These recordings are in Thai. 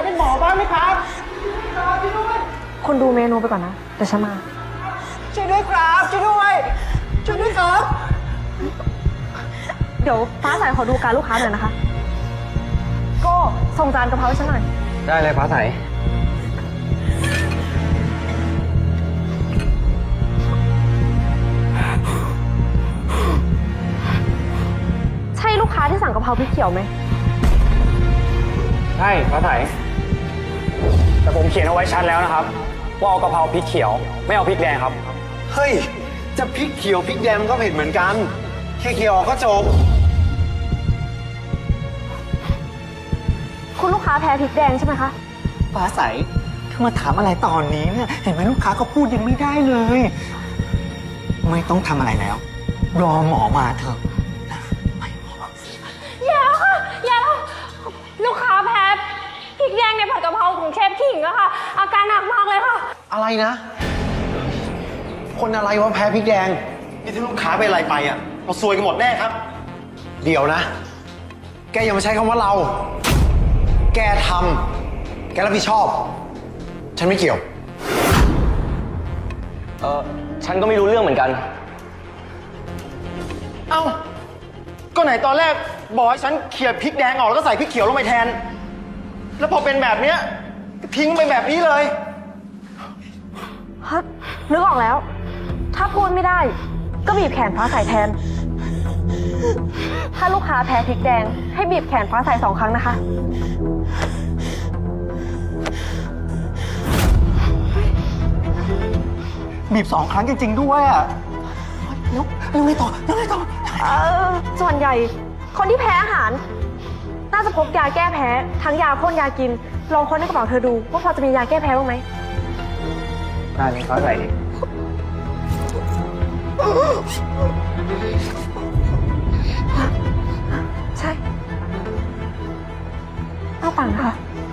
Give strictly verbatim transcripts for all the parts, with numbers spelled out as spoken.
เป็นหมอบ้างไหมครับช่วยด้วยคุณดูเมนูไปก่อนนะเดี๋ยวฉันมาช่วยด้วยครับช่วยด้วยช่วยด้วยครับเดี๋ยวฟ้าใสขอดูการลูกค้าหน่อยนะคะ ก็ส่งจานกะเพราให้ฉันหน่อยได้เลยฟ้าใสใช่ลูกค้าที่สั่งกะเพราพริกเขียวไหมใช่ฟ้าใสแต่ผมเขียนเอาไว้ชัดแล้วนะครับว่าเอากะเพราพริกเขียวไม่เอาพริกแดงครับเฮ้ย จะพริกเขียวพริกแดงมันก็เผ็ดเหมือนกันแค่เขียวออกก็จบคุณลูกค้าแพ้พริกแดงใช่ไหมคะฟ้าใสเธอมาถามอะไรตอนนี้เนี่ย เห็นไหมลูกค้าก็พูดยังไม่ได้เลย ไม่ต้องทำอะไรแล้ว รอหมอมาเถอะอย่าค่ะอย่าลูกค้าแพ้พริกแดงในผัดกะเพราของเชฟขิงอะค่ะ อาการหนักมากเลยค่ะอะไรนะ คนอะไรวะแพ้พริกแดง นี่ถ้าลูกค้าเป็นอะไรไปอ่ะ เราซวยกันหมดแน่ครับ เดี๋ยวนะ แกอย่ามาใช้คำว่าเรา แกทำแกรับผิดชอบ ฉันไม่เกี่ยวเออฉันก็ไม่รู้เรื่องเหมือนกันเอ้า ก็ไหนตอนแรกบอกให้ฉันเขี่ยพริกแดงออกแล้วก็ใส่พริกเขียวลงไปแทน แล้วพอเป็นแบบเนี้ยทิ้งไปแบบนี้เลยฮะนึกออกแล้ว ถ้าพูดไม่ได้ ก็บีบแขนฟ้าใสแทน ถ้าลูกค้าแพ้พริกแดง ให้บีบแขนฟ้าใสสองครั้งนะคะบีบสองครั้งจริงๆด้วยอ่ะแล้วแล้วไงต่อแล้วไงต่อเออส่วนใหญ่คนที่แพ้อาหาร น่าจะพกยาแก้แพ้ ทั้งยาพ่นยากิน ลองค้นในกระเป๋าเธอดูว่าพอจะมียาแก้แพ้บ้างไหมได้เลยฟ้าใสใช่เอาปังค่ะ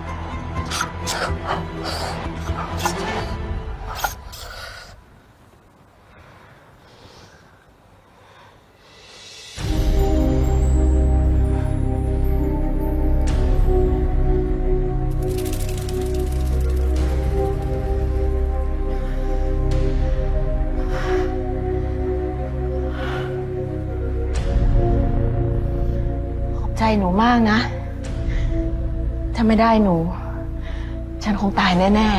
ใจหนูมากนะ ถ้าไม่ได้หนู ฉันคงตายแน่นั่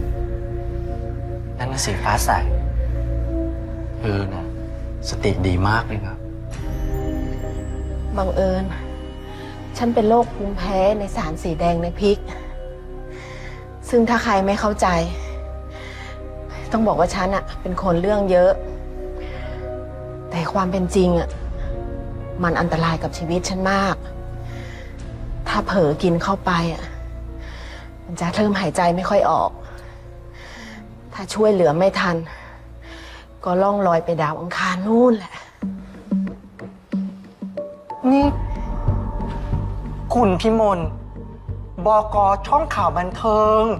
นน่ะสิฟ้าใสเออนะสติดีมากเลยครับๆ บังเอิญ ฉันเป็นโรคภูมิแพ้ในสารสีแดงในพริก ซึ่งถ้าใครไม่เข้าใจ ต้องบอกว่าฉันอะเป็นคนเรื่องเยอะ แต่ความเป็นจริงอะมันอันตรายกับชีวิตฉันมาก ถ้าเผลอกินเข้าไปอ่ะ มันจะเริ่มหายใจไม่ค่อยออก ถ้าช่วยเหลือไม่ทัน ก็ล่องลอยไปดาวอังคารนู่นแหละนี่ คุณพิมลบก.ช่องข่าวบันเทิง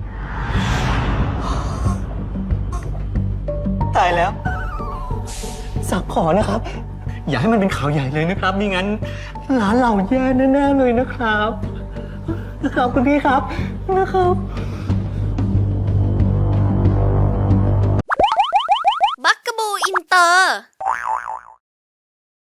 ตายแล้ว สักขอนะครับ อย่าให้มันเป็นข่าวใหญ่เลยนะครับมิงั้นร้านเราแย่แน่ๆเลยนะครับ นะครับคุณพี่ครับนะครับ